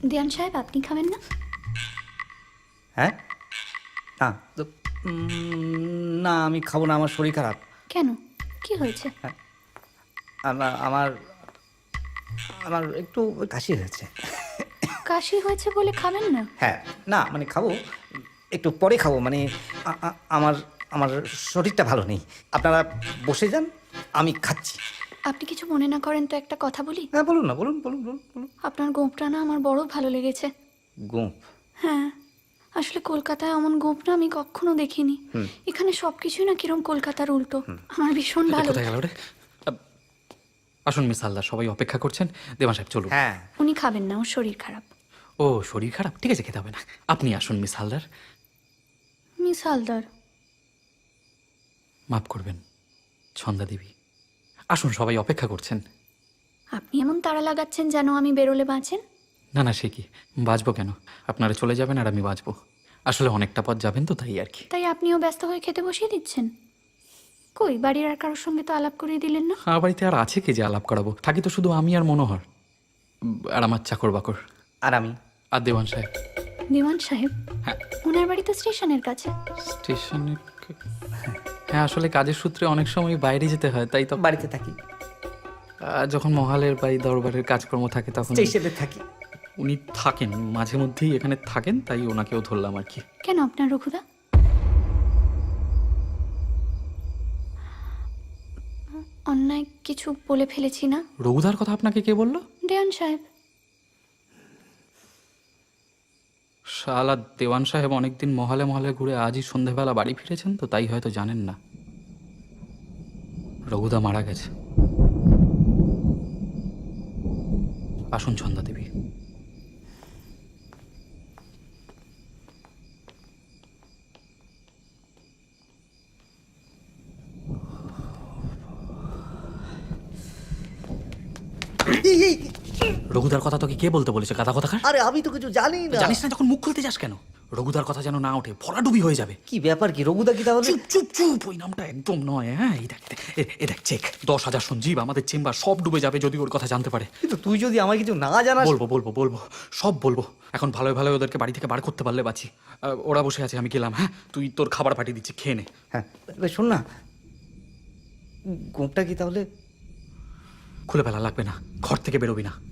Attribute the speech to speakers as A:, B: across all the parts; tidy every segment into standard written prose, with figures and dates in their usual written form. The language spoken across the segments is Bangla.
A: দেওয়ান সাহেব, আপনি খাবেন না?
B: হ্যাঁ, না তো না, আমি খাবো না, আমার শরীর খারাপ।
A: কেন, কি হয়েছে?
B: আমার আমার আমার একটু কাশি হয়েছে।
A: কাশি হয়েছে বলে খাবেন না?
B: হ্যাঁ, না মানে খাবো, একটু পরে খাবো, মানে আমার আমার শরীরটা ভালো নেই। আপনারা বসে যান, আমি খাচ্ছি।
A: আপনি কিছু মনে না করেন তো একটা কথা বলি?
B: হ্যাঁ বলুন না, বলুন বলুন বলুন বলুন।
A: আপনার গোঁফটা না আমার বড় ভালো লেগেছে।
B: গোঁফ?
A: হ্যাঁ, আসলে কলকাতায় এমন গোঁফ না আমি কখনো দেখিনি। এখানে সব কিছুই না কিরম কলকাতার উল্টো। আমার ভীষণ ভালো।
C: কোথায় গেল রে? আসুন মিস হালদার, সবাই অপেক্ষা করছেন। দেওয়ান সাহেব চলুন।
B: হ্যাঁ,
A: উনি খাবেন না, ওর শরীর খারাপ।
C: ও শরীর খারাপ, ঠিক আছে, খেতে হবে না। আপনি আসুন মিস হালদার।
A: মিস হালদার?
C: মাফ করবেন ছন্দা দেবী, আসুন, সবাই অপেক্ষা করছেন।
A: আপনি এমন তাড়া লাগাচ্ছেন যেন আমি বেরোলে বাঁচেন।
C: না না, সে কি, বাঁচবো কেন? আপনারা চলে যাবেন আর আমি বাঁচবো। আসলে অনেকটা পথ যাবেন তো, তাই আর কি।
A: তাই আপনিও ব্যস্ত হয়ে খেতে বসিয়ে দিচ্ছেন? কই, বাড়ির আর কারোর সঙ্গে তো আলাপ করিয়ে দিলেন না?
C: আমার বাড়িতে আর আছে কে যে আলাপ করাবো? থাকি তো শুধু আমি আর মনোহর, আর আমার চাকর বাকর,
B: আর আমি।
C: আর দেওয়ান সাহেব।
A: দেওয়ান সাহেব?
C: হ্যাঁ।
A: ওনার বাড়ি তো স্টেশনের কাছে।
C: স্টেশনে? হ্যাঁ, আসলে কাজের সূত্রে অনেক সময় বাইরে যেতে হয়, তাই তো
B: বাড়িতে থাকি,
C: যখন মহালের বা এই দরবারের কাজকর্ম থাকে তখন
B: স্টেশনে থাকি।
C: উনি থাকেন, মাঝে মধ্যেই এখানে থাকেন, তাই ওনাকেও ধরলাম আর কি।
A: কেন, আপনার রঘুদা? অন্যায় কিছু বলে ফেলেছি না?
C: রঘুদার কথা আপনাকে কে বললো?
A: দেওয়ান সাহেব।
C: শালা দেওয়ান সাহেব অনেকদিন মহলে মহলে ঘুরে আজই সন্ধেবেলা বাড়ি ফিরেছেন, তো তাই হয়তো জানেন না রঘুদা মারা গেছে। আসুন ছন্দা দেবী। রঘুদার কথা তোকে কে বলতে বলেছে, গাদা কথাকার?
B: আরে আমি তো কিছু জানি না।
C: জানিস না যখন মুখ খুলতে যাস কেন? রঘুদার কথা যেন না ওঠে, ভরাডুবি হয়ে যাবে।
B: কি ব্যাপার, কি রঘুদা কি তাহলে?
C: চুপ চুপ চুপ, ওই নামটা একদম নয়। হ্যাঁ, এই দেখ এ দেখ, চেক 10,000 সঞ্জীব, আমাদের চেম্বার সব ডুবে যাবে যদি ওর কথা জানতে পারে।
B: কিন্তু তুই যদি আমার কিছু না জানাস।
C: বলবো বলবো বলবো, সব বলবো। এখন ভালোই ভালোই ওদেরকে বাড়ি থেকে বার করতে পারলে বাঁচি। ওরা বসে আছে, আমি গেলাম। হ্যাঁ, তুই তোর খাবার পাঠিয়ে দিচ্ছি, খেয়ে নে।
B: হ্যাঁ, এবার শোন না, গোঁপটা কি তাহলে?
C: খুলে ফেলা লাগবে না, ঘর থেকে বেরোবি না।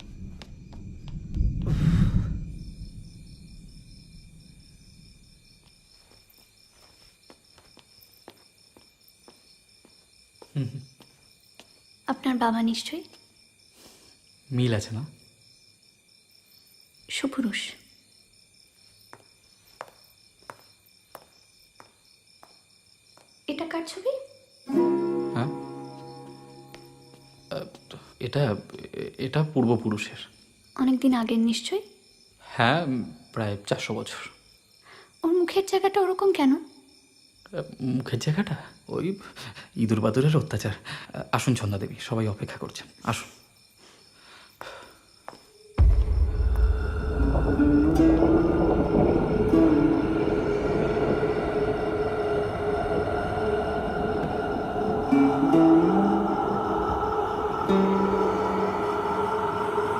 A: আপনার বাবা নিশ্চয়ই
C: মিল আছে না?
A: সুপুরুষ। এটা কার ছবি?
C: হ্যাঁ, এটা এটা পূর্বপুরুষের।
A: অনেকদিন আগের নিশ্চয়ই।
C: হ্যাঁ, প্রায় 400 বছর।
A: ওর মুখের জায়গাটা ওরকম কেন?
C: মুখের জায়গাটা ওই ইঁদুর বাদুরের অত্যাচার। আসুন ছন্দা দেবী, সবাই অপেক্ষা করছেন, আসুন।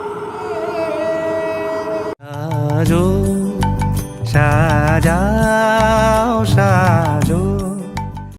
D: সাজানো